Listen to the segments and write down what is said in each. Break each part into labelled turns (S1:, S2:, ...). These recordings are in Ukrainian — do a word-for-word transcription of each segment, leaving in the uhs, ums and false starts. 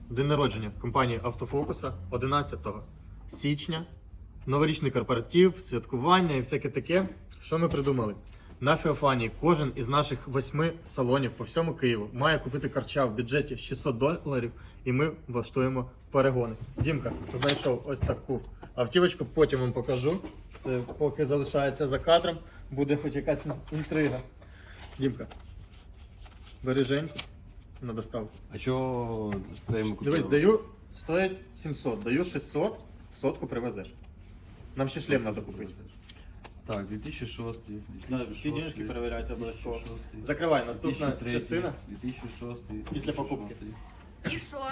S1: день народження компанії Автофокуса одинадцятого січня. Новорічний корпоратив, святкування і всяке таке. Що ми придумали? На Феофанії кожен із наших восьми салонів по всьому Києву має купити карча в бюджеті шістсот доларів, і ми влаштуємо перегони. Дімка знайшов ось таку автівочку, потім вам покажу. Це поки залишається за кадром, буде хоч якась інтрига. Дімка, бери Женьку на доставку.
S2: А чого стоїмо купили?
S1: Дивись, даю, стоїть сімсот, даю шістсот, сотку привезеш. Нам ще шлем треба купити.
S2: Так, дві тисячі шостий,
S1: Да, всі денежки перевіряйте обов'язково. Закривай, наступна частина
S2: дві тисячі шостий.
S1: після покупки.
S3: І що?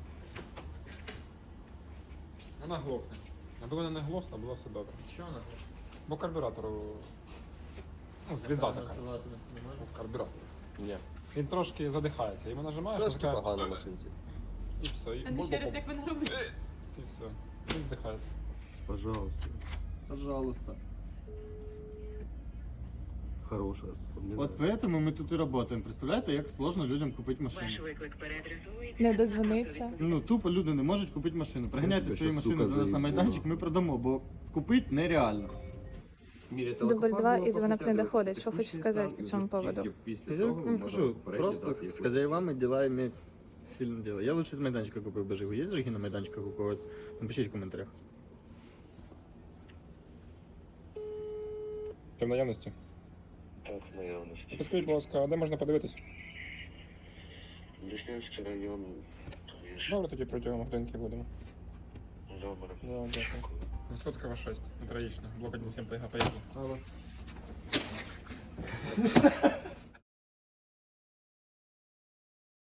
S4: Вона глохне. Аби вона не глохла, було все добре.
S1: Що вона?
S4: Бо карбюратору. Ну, звізда така. Карбюратор. Ні. Він трошки задихається. Йому нажимаєш,
S2: Трошки
S4: така...
S2: погано на машинці.
S4: і все. І,
S3: А не ще раз, як ви не робите?
S4: і все. І здихається.
S2: Пожалуйста.
S1: Пожалуйста.
S2: Хорошая.
S1: От поэтому ми тут і працюємо. Представляєте, як сложно людям купити машину?
S5: Ваш виклик переадресується.
S3: Не дозвониться.
S1: Ну, тупо люди не можуть купити машину. Приганяйте
S2: тебе
S1: свої
S2: щас,
S1: машини
S2: сука,
S1: до нас на
S2: заїбу.
S1: майданчик, ми продамо, бо купити нереально.
S6: Дубль два і дзвонок не доходить. Що хочеш сказати по цьому поводу?
S1: Я вам кажу, просто з хазяєвами ділами сильно діло. Я лучше з майданчика купив би Жигу. Є Жиги на майданчиках у когось? Напишіть в коментарях.
S4: Ти в наявності?
S5: Так, наявності.
S4: Підскажіть, будь ласка, а де можна подивитись?
S5: Деснянський район.
S4: Добре, тоді протягом годинки будемо.
S5: Добре.
S4: Да, дякую. Висоцького шесть. Троїчна. Блок один сім Тайга. Поїхали.